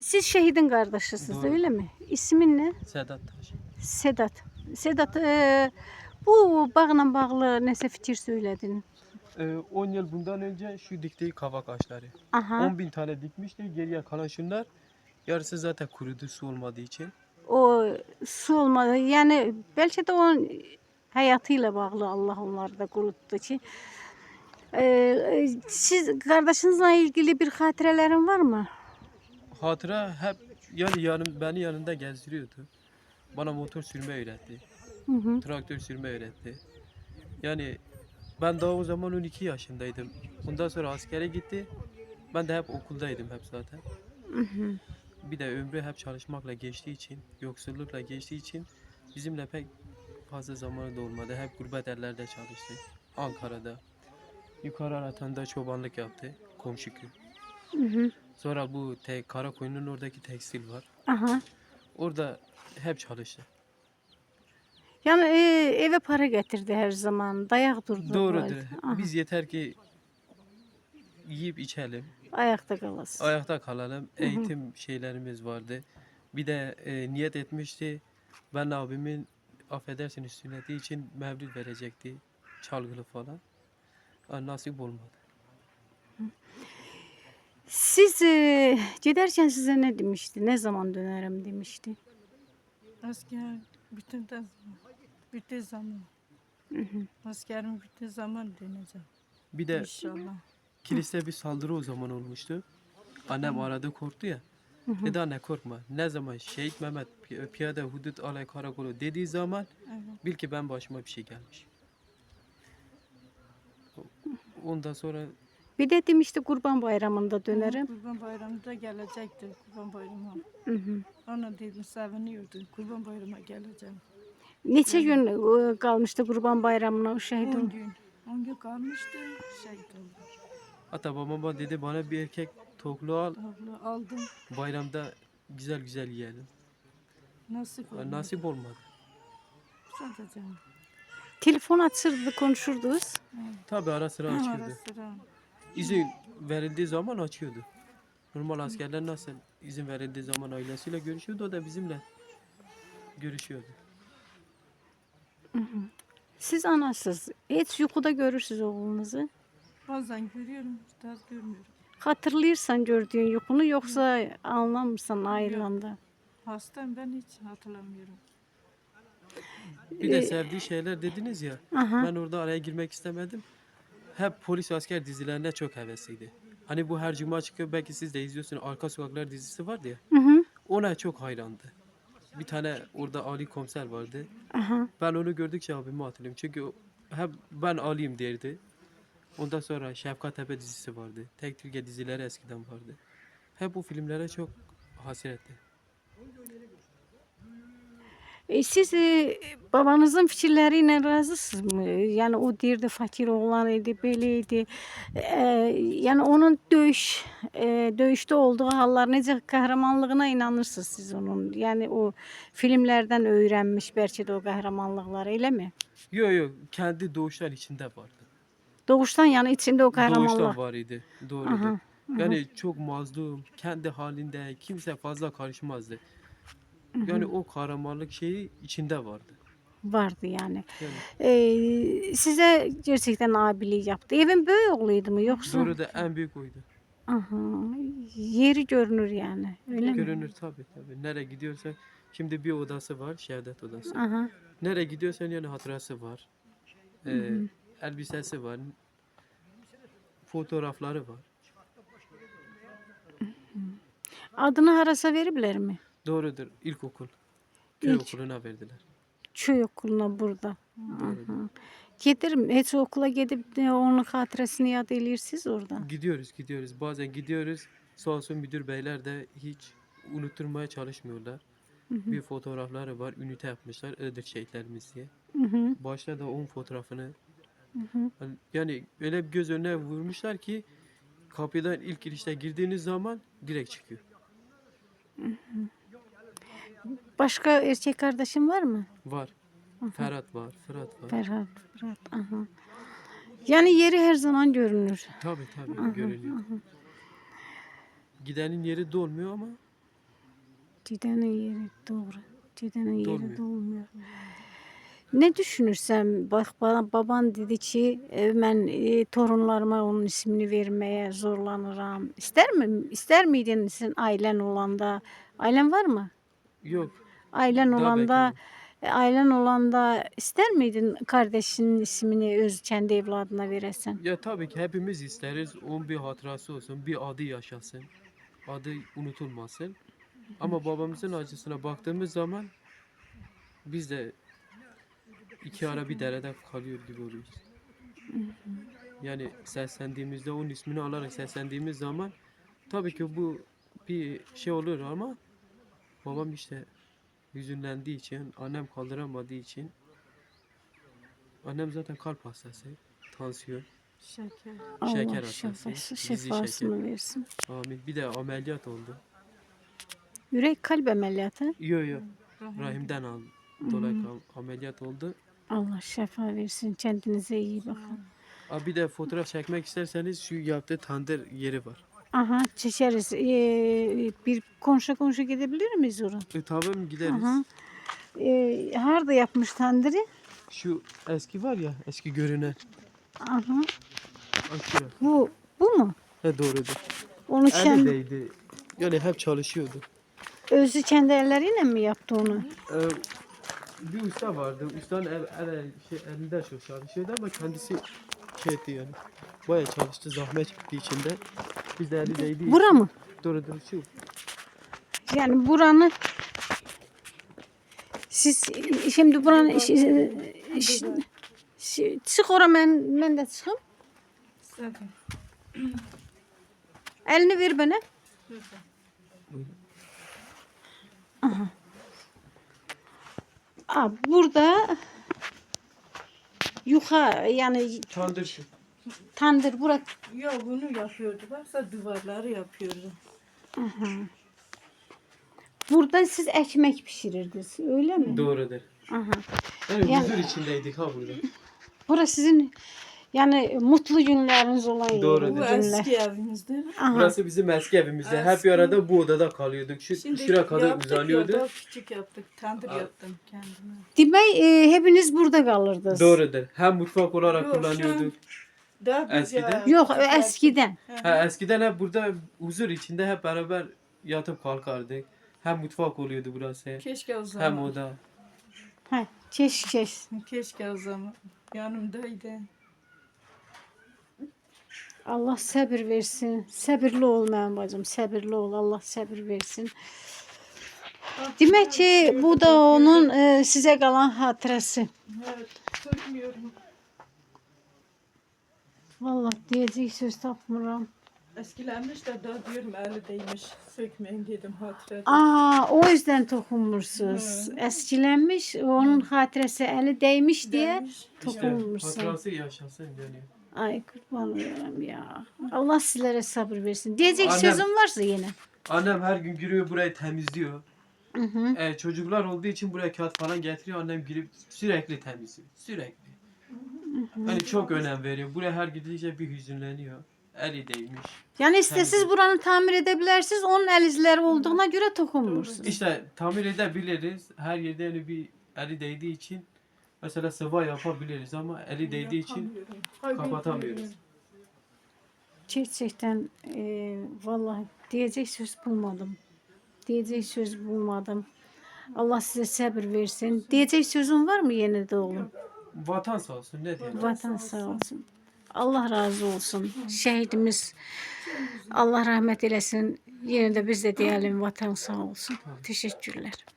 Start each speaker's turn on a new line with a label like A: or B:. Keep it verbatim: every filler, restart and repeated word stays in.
A: Siz şehidin kardeşisiniz
B: Doğru.
A: öyle mi? İsmin ne?
B: Sedat Taş.
A: Sedat. Sedat e, bu bağla bağlı nəsə fikir söyledin.
B: Ee, on yıl bundan önce şu diktiği kavak ağaçları.
A: Aha.
B: on bin tane dikmişti. Geriye kalan şunlar. Yarısı zaten kurudu su olmadığı için.
A: O su olmadı. Yani belki de onun hayatıyla bağlı Allah onları da kuruttu ki. E, siz kardeşinizle ilgili bir hatırelerin var mı?
B: Hatıra hep yani yanım, beni yanında gezdiriyordu. Bana motor sürme öğretti.
A: Hı hı.
B: Traktör sürme öğretti. Yani ben daha o zaman on iki yaşındaydım. Ondan sonra askere gitti. Ben de hep okuldaydım hep zaten.
A: Hı hı.
B: Bir de ömrü hep çalışmakla geçtiği için, yoksullukla geçtiği için bizimle pek fazla zamanı da olmadı. Hep gurbet ellerde çalıştı. Ankara'da. Yukarı Aratan'da çobanlık yaptı. Komşu köy.
A: Hı hı.
B: Sonra bu te Karakoyun'un oradaki tekstil var.
A: Aha.
B: Orada hep çalıştı.
A: Yani e, eve para getirdi her zaman. Dayak durdu.
B: Doğrudur.
A: Aha.
B: Biz yeter ki yiyip içelim,
A: Ayakta kalasın.
B: ayakta kalalım. Eğitim şeylerimiz vardı. Bir de e, niyet etmişti. Ben abimin affedersiniz sünneti için mevlid verecekti. Çalgılı falan. Ha, nasip olmadı.
A: Siz e, giderken size ne demişti? Ne zaman dönerim demişti?
C: Asker bütün de bütün zaman. Askerim bütün zaman döneceğim.
B: Bir de
C: İnşallah.
B: kiliste bir saldırı o zaman olmuştu. Annem aradı korktu ya. Dedi anne korkma. Ne zaman Şehit Mehmet Pi- Piyade Hudut Alay Karakolu dediği zaman
C: Evet.
B: bil ki ben başıma bir şey gelmiş. Ondan sonra
A: Bir de demişti Kurban Bayramı'nda dönerim.
C: Kurban Bayramı'nda gelecektir. Kurban Bayramı.
A: Hı hı.
C: Ona dedim seviniyordu. Kurban Bayramı'na geleceğim.
A: Neçə gün e, kalmıştı Kurban Bayramı'na o şehit
C: on
A: oldu?
C: gün. on gün kalmıştı. Şehit oldu.
B: hatta babam bana dedi bana bir erkek toklu al
C: Abla aldım.
B: bayramda güzel güzel yiyelim.
C: Nasip oldu.
B: Nasip olmadı.
C: Sadece.
A: Telefon açırdı, konuşurdunuz.
B: Tabi ara sıra
C: Ara
B: açıyordu.
C: sıra.
B: İzin verildiği zaman açıyordu. Normal askerler nasıl izin verildiği zaman ailesiyle görüşüyordu o da bizimle görüşüyordu.
A: Siz anasız. Hiç yuxuda görürsünüz oğlunuzu.
C: Bazen görüyorum. Biraz görmüyorum.
A: Hatırlayırsan gördüğün yuxunu yoksa anlamırsan ayrılanda.
C: Hastayım ben hiç hatırlamıyorum.
B: Bir de sevdiği şeyler dediniz ya.
A: Aha.
B: Ben orada araya girmek istemedim. Hep polis asker dizilerine çok hevesliydi. Hani bu her cuma çıkıyor belki siz de izliyorsunuz. Arka Sokaklar dizisi vardı ya.
A: Hı hı.
B: Ona çok hayrandı. Bir tane orada Ali komiser vardı.
A: Aha.
B: Ben onu gördükçe abimi hatırlıyorum. Çünkü o- hep ben Ali'yim derdi. Ondan sonra Şefkat Tepe dizisi vardı. Tek Türkiye dizileri eskiden vardı. Hep bu filmlere çok hasretti.
A: E, siz e, babanızın fikirleriyle razısınız mı? Yani o deyirdi fakir oğlan idi, belə idi. E, yani onun döyüş, e, döyüşdə olduğu hallar necə qəhrəmanlığına inanırsınız siz onun? Yani o filmlerden öğrenmiş belki də o qəhrəmanlıqları, elə mi?
B: Yok yok kendi doğuşlar içinde vardı.
A: Doğuştan yani içinde o
B: Doğuştan
A: qəhrəmanlıq.
B: var idi. Doğrudur.
A: Aha,
B: Yani çok mazlum, kendi halinde kimse fazla karışmazdı. Yani o kahramanlık şeyi içinde vardı.
A: vardı yani.
B: Yani
A: E, size gerçekten abilik yaptı. Evin böyük oğluydu mu yoksa?
B: doğru da en büyük oydu.
A: Aha, yeri görünür yani. Öyle mi?
B: Görünür tabii tabii. Nereye gidiyorsak şimdi bir odası var, şehadet odası.
A: Aha.
B: Nereye gidiyorsan yani hatırası var. Ee, elbisesi var. Fotoğrafları var.
A: Adını harasa veriblər mi?
B: Doğrudur. İlkokul. Köy
A: İlk.
B: okuluna verdiler.
A: Köy okuluna burada.
B: Doğrudur.
A: Gedirim. Heç okula gedib de onun xatirəsini yad eləyirsiniz orada.
B: Gidiyoruz gidiyoruz. Bazen gidiyoruz. Sağ olsun müdür beyler de hiç unutturmaya çalışmıyorlar. Bir fotoğrafları var. Ünite yapmışlar. Iğdır şehitlerimiz diye.
A: Hı hı.
B: Başta da onun fotoğrafını hani- yani öyle bir göz önüne vurmuşlar ki kapıdan ilk girişte girdiğiniz zaman direkt çıkıyor.
A: Başka erkek kardeşin var mı?
B: Var. Ferhat var. Fırat var.
A: Ferhat, Fırat. Aha. Yani yeri her zaman görünür.
B: Tabii tabii görünüyor. Gidenin yeri dolmuyor ama
A: Gidenin yeri doğru. Gidenin yeri
B: Dolmuyor.
A: dolmuyor. Ne düşünürsen bak bana baban dedi ki e, ben e, torunlarıma onun ismini vermeye zorlanırım. İster mi? İster miydin sen ailen olanda? Ailen var mı?
B: Yok.
A: Ailen
B: Daha
A: olanda
B: bekliyorum.
A: e, ailen olanda ister miydin kardeşinin ismini öz kendi evladına veresen?
B: Ya tabii ki hepimiz isteriz. Onun bir hatırası olsun. Bir adı yaşasın. Adı unutulmasın. Ama babamızın acısına baktığımız zaman biz de iki ara bir derede kalıyor gibi oluyoruz. Yani seslendiğimizde onun ismini alarak seslendiğimiz zaman tabii ki bu bir şey olur ama babam işte hüzünlendiği için, annem kaldıramadığı için, annem zaten kalp hastası, tansiyon,
C: Şeker.
A: Allah
B: şeker hastası,
A: şefası,
B: dizi şeker.
A: şefasını versin.
B: Amin. Bir de ameliyat oldu.
A: Yürek kalp ameliyatı.
B: Yo yo.
C: Rahim.
B: Rahimden al. Dolayı am- ameliyat oldu.
A: Allah şefa versin. Kendinize iyi bakın.
B: Aa, bir de fotoğraf çekmek isterseniz şu yaptığı tandır yeri var.
A: Aha çeşeriz. Ee, bir konuşa konuşa gidebilir miyiz oraya?
B: E, tamam gideriz.
A: Aha. Ee, harda yapmış tandırı?
B: Şu eski var ya, eski görünen.
A: Aha.
B: Aşağı.
A: Bu bu mu?
B: He doğrudur.
A: Onu kendi,
B: Elindeydi. Yani hep çalışıyordu.
A: özü kendi elleriyle mi yaptı onu?
B: Ee, bir usta vardı. Ustanın el, el, şey, elinde çok çalışıyordu ama kendisi şey etti yani. Bayağı çalıştı, zahmet çekti içinde. Biz de eli değdi.
A: Bura mı?
B: Doğrudur şu.
A: Yani buranı siz şimdi buranın iş, iş, iş- çık oraya ben, ben de çıkayım.
C: Zaten.
A: Elini ver bana.
C: Şurada.
A: Aa, burada yukarı yani
B: Tandır şu.
A: tandır bura.
C: Yok bunu yapıyordu. Varsa duvarları yapıyordu.
A: Burada siz ekmek pişirirdiniz öyle mi?
B: Doğrudur.
A: Aha.
B: Yani,
A: Yani-
B: huzur içindeydik ha burada.
A: Burası sizin yani mutlu günleriniz olan yer,
B: Doğrudur.
C: Bu
A: günler.
C: eski evimizdir.
A: Aha.
B: Burası bizim eski evimizde. Hep
C: Eski-
B: bir arada bu odada kalıyorduk. Şu
C: Şimdi
B: şuraya kadar
C: yaptık
B: uzanıyordu.
C: Ya, daha küçük yaptık. Tandır
B: Aa.
C: yaptım kendime.
A: Demek e, hepiniz burada kalırdınız.
B: Doğrudur. Hem mutfak olarak
C: Yok, şu an-
B: kullanıyorduk.
C: Daha biz
B: Eskiden?
C: ya-
A: Yok
C: küçük yaptık.
A: eskiden.
B: Ha, eskiden hep burada huzur içinde hep beraber yatıp kalkardık. Hem mutfak oluyordu burası.
C: Keşke o
B: Hem
C: zaman.
B: oda.
A: Ha, çeş çeş.
C: Keşke o zaman. Yanımdaydı.
A: Allah sabır versin. Sabırlı ol benim bacım. Sabırlı ol. Allah sabır versin. Demek ki bu da onun e, size kalan hatırası.
C: Evet. Sökmüyorum.
A: Vallahi diyecek söz tapmıram.
C: Eskilenmiş de daha diyorum eli değmiş. Sökmeyin dedim hatıra.
A: Aa, o yüzden tokunmuşsunuz. Eskilenmiş, onun hatırası eli değmiş diye
C: Değmiş.
B: İşte
A: tokunmuşsun.
B: hatırası yaşasın yani.
A: Ay kurban olurum ya. Allah sizlere sabır versin. Diyecek
B: Annem-
A: sözüm varsa yine.
B: Annem her gün giriyor burayı temizliyor.
A: Hı hı.
B: Ee, çocuklar olduğu için buraya kağıt falan getiriyor. Annem girip sürekli temizliyor. Sürekli. Hani çok önem veriyor. Buraya her gidince bir hüzünleniyor. Eli değmiş.
A: Yani istesiz
B: Temizlik.
A: buranı tamir edebilirsiniz. Onun el izleri olduğuna göre tokunmuşsunuz.
B: İşte tamir edebiliriz. Her yerde yani bir eli değdiği için mesela sıva yapabiliriz ama eli değdiği için
C: Yapamıyorum.
B: kapatamıyoruz.
A: Gerçekten e, vallahi diyecek söz bulmadım. Diyecek söz bulmadım. Allah size sabır versin. Diyecek sözün var mı yeni de oğlum?
B: Vatan sağ olsun ne diyelim.
A: Vatan sağ olsun. Allah razı olsun. Şehidimiz Allah rahmet eylesin. Yine de biz de diyelim vatan sağ olsun. Teşekkürler.